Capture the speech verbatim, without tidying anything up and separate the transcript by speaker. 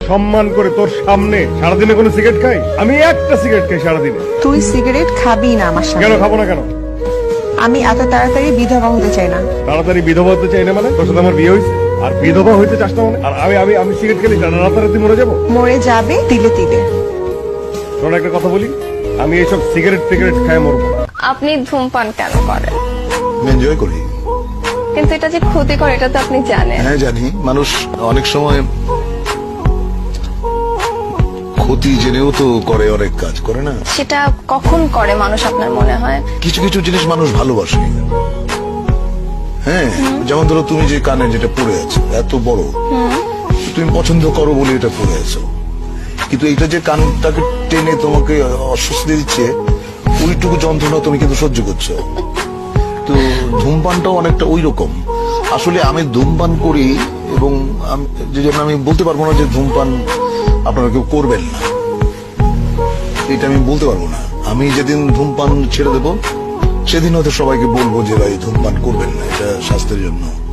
Speaker 1: সম্মান করে তোর সামনে সারাদিনে কোনো সিগারেট খাই? আমি একটা সিগারেট খাই সারাদিনে।
Speaker 2: তুই সিগারেট খাবি না আমার সাথে।
Speaker 1: কেন খাবো না কেন?
Speaker 2: আমি এত তাড়াতাড়ি বিধবা হতে চাই না।
Speaker 1: তাড়াতাড়ি বিধবা হতে চাই না মানে? তোর সাথে আমার বিয়ে হয়েছে আর বিধবা হইতে চাস না মানে? আর আমি আমি আমি সিগারেট খেলে রাতারাতি মরে যাবো?
Speaker 2: মরে যাবে তিলে তিলে।
Speaker 1: শোন একটা কথা বলি, আমি এইসব সিগারেট টিগারেট খায় মরবো না।
Speaker 3: আপনি ধূমপান কেন করেন?
Speaker 4: এনজয় করি।
Speaker 3: কিন্তু এটা যে ক্ষতিকর এটা তো আপনি জানেন।
Speaker 4: হ্যাঁ জানি, মানুষ অনেক সময় ক্ষতি জেনেও তো করে, অনেক কাজ করে না।
Speaker 3: সেটা কখন করে মানুষ আপনার মনে হয়?
Speaker 4: কিছু কিছু জিনিস মানুষ ভালোবাসে। হ্যাঁ, যেমন ধরো তুমি যে কানে যেটা পড়ে আছো এত বড়, তুমি পছন্দ করো বলে এটা পড়ে আছো, কিন্তু এটা যে কানটাকে টেনে তোমাকে অস্বস্তি দিচ্ছে, ওইটুকু যন্ত্রণা তুমি কিন্তু সহ্য করছো। তো ধূমপানটাও অনেকটা ওই রকম। আসলে আমি ধূমপান করি এবং যে জন্য আমি বলতে পারবো না যে ধূমপান আপনারা কেউ করবেন না, এটা আমি বলতে পারবো না। আমি যেদিন ধূমপান ছেড়ে দেবো সেদিন হয়তো সবাইকে বলবো যে ভাই ধূমপান করবেন না, এটা স্বাস্থ্যের জন্য